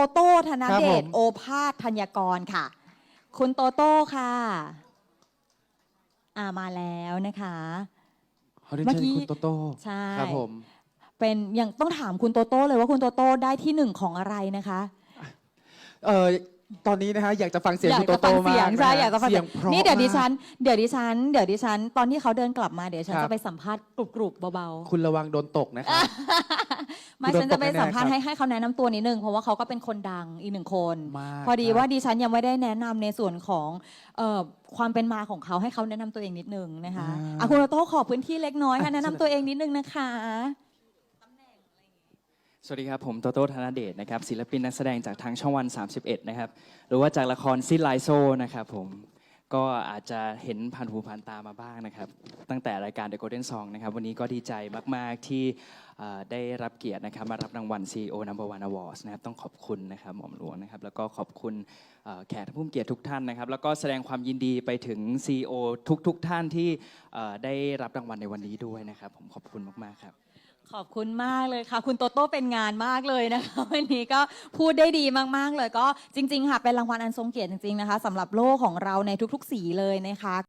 โต้ธนเดชผมโอภาสธัญกรค่ะ คุณโตโต้ค่ะมาแล้วนะคะขอเรียนเมื่อเชิญกี้คุณโตโต้ใช่ครับผมเป็นยังต้องถามคุณโตโต้เลยว่าคุณโตโต้ได้ที่หนึ่งของอะไรนะคะตอนนี้นะฮะอยากจะฟังเสียงอยาคุกณโตจะฟัโต้งมาเสียงกใช่นะฮะอยากจะฟังเสียงเพราะนี่เดี๋ยวดิฉัมากนตอนที่เขาเดินกลับมาเดี๋ยวฉันครับจะไปสัมภาษณ์กรุบๆเบาคุณระวังโดนตกนะครับๆไม่คุณโดนฉันจะไปตกแน่ๆสัมภาษณ์ครับให้เขาแนะนำตัวนิดนึงเพราะว่าเขาก็เป็นคนดังอีกหนึ่งคนมากพอดีครับว่าดิฉันยังไม่ได้แนะนำในส่วนของความเป็นมาของเขาให้เขาแนะนำตัวเองนิดนึงนะคะคุณโตโต้ขอพื้นที่เล็กน้อยค่ะแนะนำตัวเองนิดนึงนะคะสวัสดีครับผมโตโต้ธนเดชนะครับศิลปินนักแสดงจากทางช่องวัน 31 นะครับหรือว่าจากละครซิดไลโซนะครับผมก็อาจจะเห็นผ่านหูผ่านตามาบ้างนะครับตั้งแต่รายการ The Golden Song นะครับวันนี้ก็ดีใจมากๆที่ได้รับเกียรตินะครับมารับรางวัล CEO No.1 Awards นะครับต้องขอบคุณนะครับหม่อมหลวงนะครับแล้วก็ขอบคุณแขกผู้มีเกียรติทุกท่านนะครับแล้วก็แสดงความยินดีไปถึง CEO ทุกท่านที่ได้รับรางวัลในวันนี้ด้วยนะครับผมขอบคุณมากๆครับขอบคุณมากเลยค่ะคุณโตโต้เป็นงานมากเลยนะคะวันนี้ก็พูดได้ดีมากๆเลยก็จริงๆค่ะเป็นรางวัลอันทรงเกียรติจริงๆนะคะสำหรับโล่ของเราในทุกๆสีเลยนะคะ